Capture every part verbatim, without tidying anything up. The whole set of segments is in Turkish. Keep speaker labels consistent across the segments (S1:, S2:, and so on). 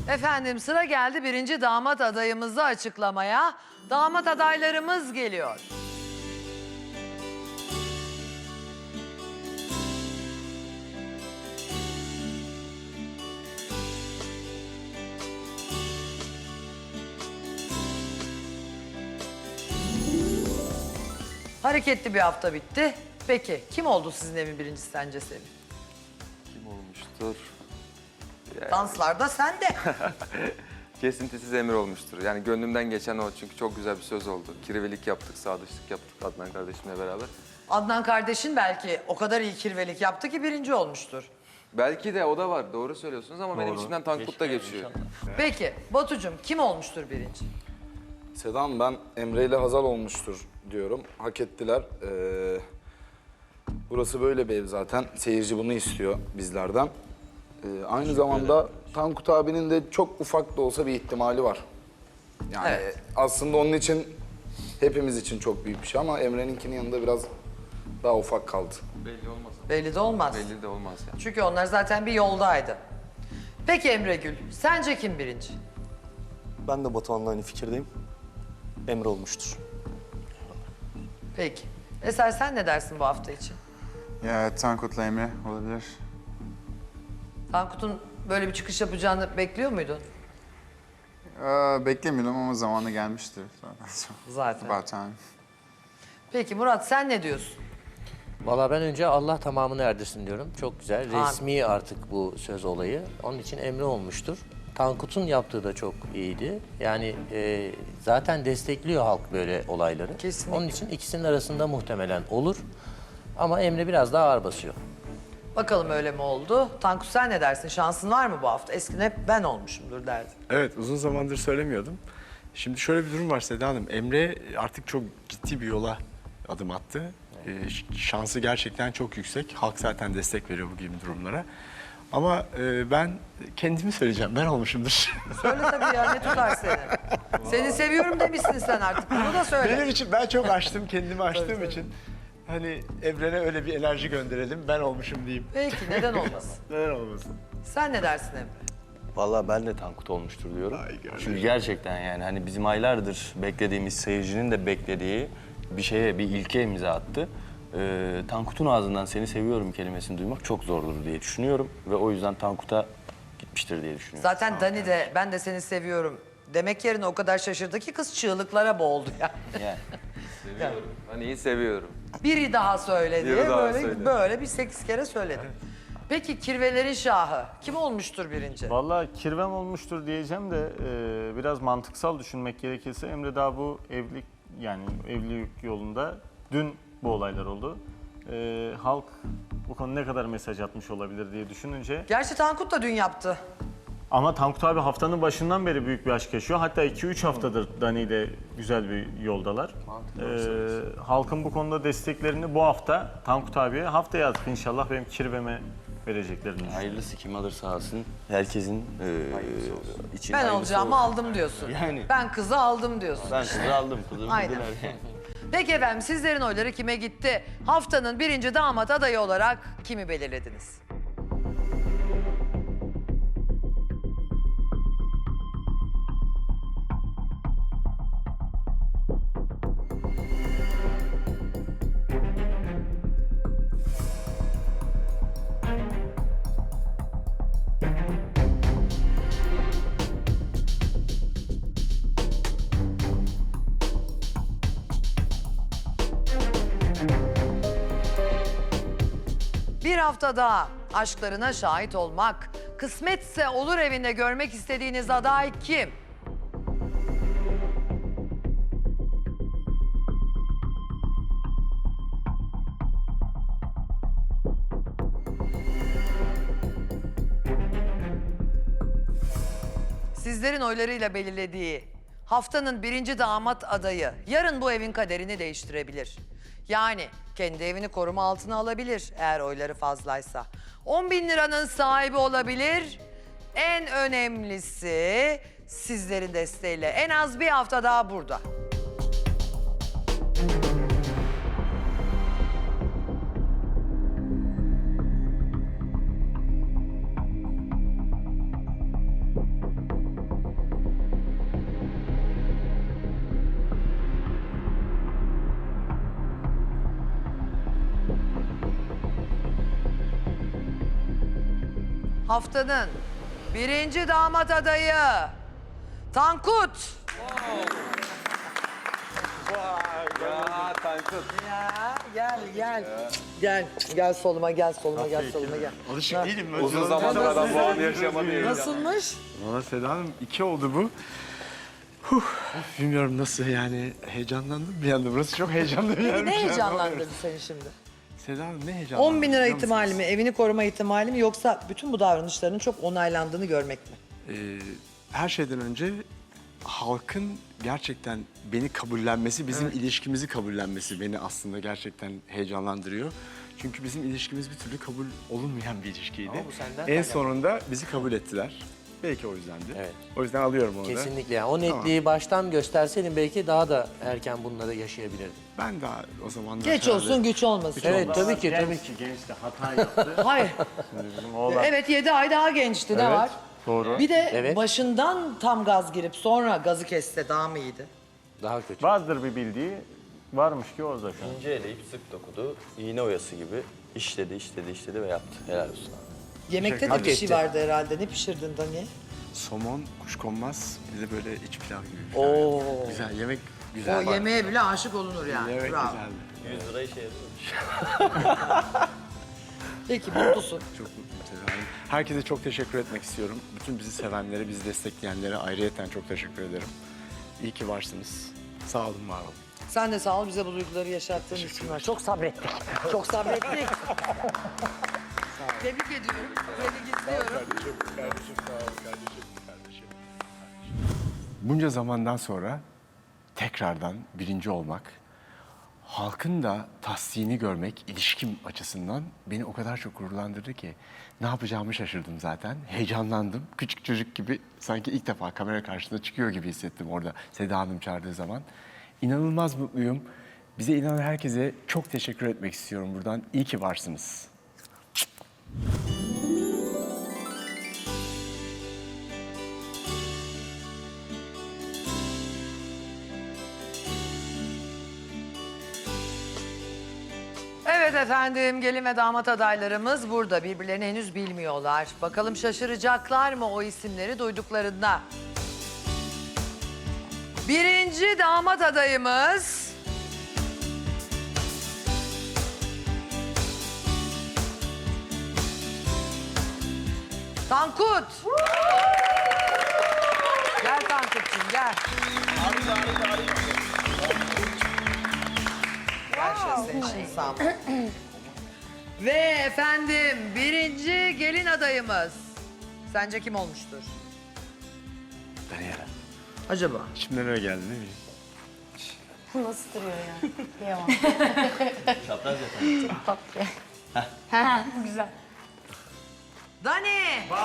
S1: Efendim sıra geldi birinci damat adayımızı açıklamaya. Damat adaylarımız geliyor. Hareketli bir hafta bitti. Peki kim oldu sizin evin birincisi sence Sevim?
S2: Kim olmuştur? Yani
S1: Danslarda sen de.
S2: kesintisiz Emir olmuştur. Yani gönlümden geçen o, çünkü çok güzel bir söz oldu. Kirvelik yaptık, sadıçlık yaptık Adnan kardeşimle beraber.
S1: Adnan kardeşin belki o kadar iyi kirvelik yaptı ki birinci olmuştur.
S2: Belki de o da var, doğru söylüyorsunuz ama benim içimden Tankut da geçiyor.
S1: Peki Batucuğum kim olmuştur birinci?
S3: Sedan, ben Emre ile Hazal olmuştur diyorum. Hak ettiler. Ee, burası böyle bir ev zaten. Seyirci bunu istiyor bizlerden. Ee, aynı zamanda Tankut abinin de çok ufak da olsa bir ihtimali var. Yani
S1: Evet.
S3: aslında onun için, hepimiz için çok büyük bir şey ama Emre'ninkinin yanında biraz daha ufak kaldı.
S2: Belli olmaz.
S1: Belli de olmaz.
S2: Belli de olmaz yani.
S1: Çünkü onlar zaten bir yoldaydı. Peki Emre Gül, sence kim birinci?
S4: Ben de Batuhan'la aynı fikirdeyim. Emre olmuştur.
S1: Peki. Eser sen ne dersin bu hafta için?
S5: Ya Tankut'la Emre olabilir.
S1: Tankut'un böyle bir çıkış yapacağını bekliyor muydun?
S5: Ee, beklemiyordum ama zamanı gelmiştir zaten.
S1: Zaten.
S5: About time.
S1: Peki Murat sen ne diyorsun?
S6: Valla ben önce Allah tamamını erdirsin diyorum. Çok güzel.
S1: Amin.
S6: Resmi artık bu söz olayı. Onun için Emre olmuştur. Tankut'un yaptığı da çok iyiydi. Yani e, zaten destekliyor halk böyle olayları.
S1: Kesinlikle.
S6: Onun için ikisinin arasında muhtemelen olur. Ama Emre biraz daha ağır basıyor.
S1: Bakalım öyle mi oldu? Tankut sen ne dersin? Şansın var mı bu hafta? Eskiden hep ben olmuşumdur derdin.
S7: Evet, uzun zamandır söylemiyordum. Şimdi şöyle bir durum var Seda Hanım. Emre artık çok ciddi bir yola adım attı. Ee, ş- şansı gerçekten çok yüksek. Halk zaten destek veriyor bu gibi durumlara. Ama e, ben kendimi söyleyeceğim. Ben olmuşumdur.
S1: Söyle tabii ya ne tutar seni? Seni seviyorum demişsin sen artık. Bunu da söyle.
S7: Benim için ben çok açtım, kendimi açtığım için. Hani evrene öyle bir enerji gönderelim. Ben olmuşum diyeyim.
S1: Peki neden olmasın?
S7: Neden olmasın?
S1: Sen ne dersin Emre?
S4: Vallahi ben de Tankut olmuştur diyorum.
S7: Ay gördüm.
S4: Çünkü gerçekten yani hani bizim aylardır beklediğimiz, seyircinin de beklediği bir şeye, bir ilke imza attı. Ee, Tankut'un ağzından seni seviyorum kelimesini duymak çok zordur diye düşünüyorum. Ve o yüzden Tankut'a gitmiştir diye düşünüyorum.
S1: Zaten Dani de ben de seni seviyorum demek yerine o kadar şaşırdı ki kız çığlıklara boğuldu ya.
S4: Yani.
S2: Seviyorum. Ben iyi seviyorum.
S1: Biri daha söyledi.
S2: Biri daha
S1: böyle
S2: söyledi.
S1: böyle bir sekiz kere söyledi. Peki kirvelerin şahı kim olmuştur birinci?
S8: Vallahi kirvem olmuştur diyeceğim de e, biraz mantıksal düşünmek gerekirse Emre daha bu evlilik yani evlilik yolunda dün bu olaylar oldu. E, halk bu konu ne kadar mesaj atmış olabilir diye düşününce
S1: Gerçi Tankut da dün yaptı.
S8: ama Tankut abi haftanın başından beri büyük bir aşk yaşıyor. Hatta iki üç haftadır Dani ile güzel bir yoldalar. E, halkın bu konuda desteklerini bu hafta Tankut abiye haftaya artık inşallah benim kirveme vereceklerini düşünüyorum.
S4: Hayırlısı kim alırsa alsın. Herkesin e, için
S1: Ben
S4: hayırlısı
S1: olacağımı
S4: olsun.
S1: aldım diyorsun.
S4: Yani.
S1: Ben kızı aldım diyorsun.
S4: Ben kızı aldım, kızımı
S1: Aynen.
S4: bildiler yani.
S1: Peki efendim sizlerin oyları kime gitti? Haftanın birinci damat adayı olarak kimi belirlediniz? Bir hafta daha aşklarına şahit olmak, kısmetse olur evinde görmek istediğiniz aday kim? Sizlerin oylarıyla belirlediği haftanın birinci damat adayı yarın bu evin kaderini değiştirebilir. Yani kendi evini koruma altına alabilir eğer oyları fazlaysa. on bin liranın sahibi olabilir. En önemlisi sizlerin desteğiyle en az bir hafta daha burada. haftanın birinci damat adayı Tankut.
S2: Ya Tankut.
S1: Ya gel gel. Gel gel soluma gel soluma gel soluma gel.
S7: Alışık değilim. ben.
S2: Uzun zamandır adam bu anı yaşamadı ya.
S1: Nasılmış?
S7: Valla Seda Hanım iki oldu bu. Huh, bilmiyorum nasıl yani heyecanlandım bir anda. Burası çok heyecanlı bir yer.
S1: Peki ne heyecanlandırdı seni şimdi?
S7: Seda Hanım ne heyecanlandırdı?
S1: on bin lira
S7: biliyor
S1: ihtimali
S7: musunuz?
S1: mi, evini koruma ihtimali mi yoksa bütün bu davranışlarının çok onaylandığını görmek mi?
S7: Ee, her şeyden önce halkın gerçekten beni kabullenmesi, bizim ilişkimizi kabullenmesi beni aslında gerçekten heyecanlandırıyor. Çünkü bizim ilişkimiz bir türlü kabul olunmayan bir ilişkiydi.
S6: Ama bu senden
S7: En
S6: kaynaklı.
S7: sonunda bizi kabul ettiler. Belki o yüzdendi.
S6: Evet.
S7: O yüzden alıyorum onu da.
S6: Kesinlikle. Yani o netliği baştan gösterseydin belki daha da erken bunları yaşayabilirdin.
S7: Ben daha o zamanlar...
S1: Geç
S7: herhalde-
S1: olsun güç olmasın.
S6: Evet tabii ki tabii
S8: Genç
S6: ki.
S8: ki genç de hata yaptı.
S1: Hayır.
S8: Şimdi bizim oğlan
S1: Evet yedi ay daha gençti ne var?
S8: doğru.
S1: Bir de
S6: Evet.
S1: başından tam gaz girip sonra gazı kesse daha mı iyiydi?
S6: Daha kötü.
S8: Vardır bir bildiği. Varmış ki o zaten.
S4: İnce eleyip sık dokudu, iğne oyası gibi işledi, işledi, işledi ve yaptı. Helal olsun abi.
S1: Yemekte de
S6: Hak
S1: bir şey
S6: etti.
S1: vardı herhalde. Ne pişirdin Dani?
S7: Somon, kuşkonmaz, bir de böyle iç pilav gibi. bir şey.
S1: Oo.
S7: Güzel, yemek
S1: O
S7: güzel.
S1: yemeğe bile aşık olunur yani.
S7: Yemek
S1: Bravo.
S7: güzeldi.
S4: yüz lira işe yarıyor.
S1: Peki mutlusun.
S7: Çok mutluyum Seda Hanım. Herkese çok teşekkür etmek istiyorum. Bütün bizi sevenlere, bizi destekleyenlere ayrıyeten çok teşekkür ederim. İyi ki varsınız. Sağ olun, var olun.
S1: Sen de sağ ol bize bu duyguları yaşattığın için var. Çok sabrettik. Çok sabrettik. Tebrik ediyorum. Tebrik istiyorum.
S7: Bunca zamandan sonra tekrardan birinci olmak, halkın da tasdini görmek ilişkim açısından beni o kadar çok gururlandırdı ki ne yapacağımı şaşırdım zaten. Heyecanlandım. Küçük çocuk gibi sanki ilk defa kamera karşısında çıkıyor gibi hissettim orada Seda Hanım çağırdığı zaman. İnanılmaz mutluyum. Bize inanan herkese çok teşekkür etmek istiyorum buradan. İyi ki varsınız.
S1: Evet efendim gelin ve damat adaylarımız burada. Birbirlerini henüz bilmiyorlar. Bakalım şaşıracaklar mı o isimleri duyduklarında? Birinci damat adayımız... Tankut. Gel Tankut'cum gel. Gel şöyle senin için sağ ol. Ve efendim birinci gelin adayımız. Sence kim olmuştur?
S7: Daniela.
S1: Acaba?
S7: İçimden öyle geldi değil mi?
S9: Nasıl duruyor ya? Kıyamam.
S4: Çapraz yapalım.
S9: Tatlı. Ha, güzel.
S1: Dani!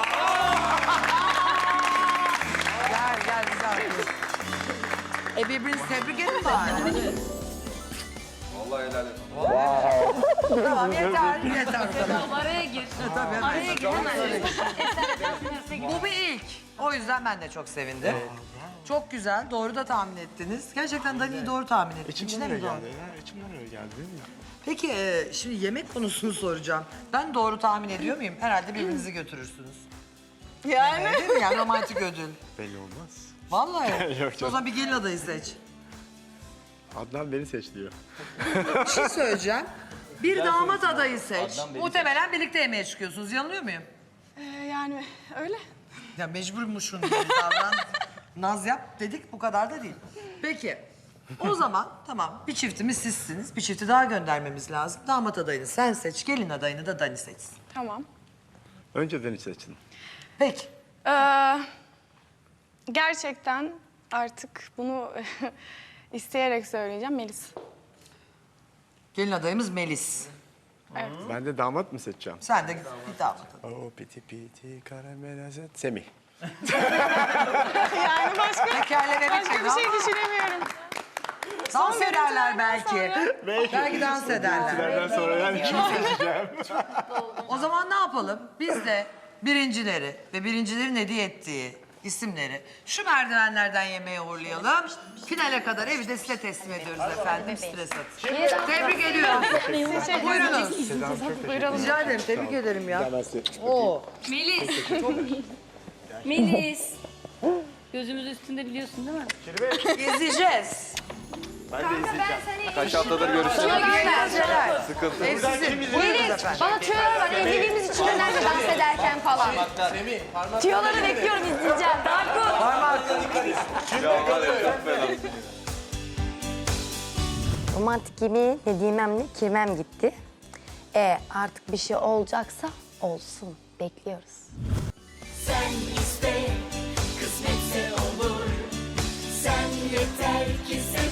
S1: gel gel güzel. E birbirinizi tebrik edin bari.
S2: Vallahi helal et.
S1: Tamam yeter yeter.
S9: Araya gir.
S1: Tabii hemen.
S9: Araya gir hemen.
S1: Bu bir ilk. O yüzden ben de çok sevindim. Çok güzel. Doğru da tahmin ettiniz. Gerçekten Dani'yi doğru tahmin ettiniz. İçine mi doğru?
S7: ya. İçimden öyle geldi değil mi?
S1: Peki e, şimdi yemek konusunu soracağım. Ben doğru tahmin ediyor muyum? Herhalde birbirinizi götürürsünüz.
S9: Yani.
S1: Yemeğe, değil mi? Yani romantik ödül.
S7: Belli olmaz.
S1: Vallahi.
S7: Yok
S1: O
S7: canım.
S1: zaman bir gelin adayı seç.
S7: Adnan beni seç diyor.
S1: Bir şey söyleyeceğim. Bir damat adayı seç.
S4: Adnan beni
S1: Muhtemelen birlikte yemeğe çıkıyorsunuz. Yanılıyor muyum?
S9: Ee, yani öyle.
S1: Ya mecburmuşsun gibi davran. Naz yap dedik bu kadar da değil. Peki. O zaman tamam bir çiftimiz sizsiniz. Bir çifti daha göndermemiz lazım. Damat adayını sen seç, gelin adayını da Dani seçsin.
S9: Tamam.
S7: Önce beni seçin.
S1: Peki.
S9: Ee, gerçekten artık bunu isteyerek söyleyeceğim Melis.
S1: Gelin adayımız Melis.
S7: Ben de damat mı seçeceğim?
S1: Sen de bir damat adayı.
S7: Oo piti piti karamel azet. Semih.
S9: Yani başka,
S1: Tekerleme
S9: başka
S1: bitmedi
S9: bir şey
S1: ama
S9: düşünemiyorum.
S1: dans
S9: Son
S1: ederler
S9: görüntülerden
S1: belki.
S9: sonra-
S1: Belki dans ederler.
S7: Nereden sonra yani kimi seçeceğim?
S1: O zaman ne yapalım? Biz de birincileri ve birincilerin hediye ettiği isimleri şu merdivenlerden yemeğe uğurlayalım. Finale kadar evi de size teslim ediyoruz efendim. Stres atın. Tebrik ediyorum. Buyurunuz.
S9: Buyuralım.
S1: Rica ederim. Tebrik ederim ya. Oo.
S10: Melis. Melis. Gözümüz üstünde biliyorsun değil mi?
S1: İzleyeceğiz.
S2: Kaç haftadır görüşüyoruz.
S1: Eğlenceler.
S2: Sıkıntı.
S1: Ev sizin. Buyurunuz efendim.
S10: Bana tüyolar var. Evliliğimiz için önemli dans ederken falan. Tüyoları bekliyorum izleyeceğim. Tankut.
S11: Romantik gibi Nedimem'le kirmem gitti. E artık bir şey olacaksa olsun. Bekliyoruz.
S12: Sen iste, kısmetse olur. Sen yeter ki sev.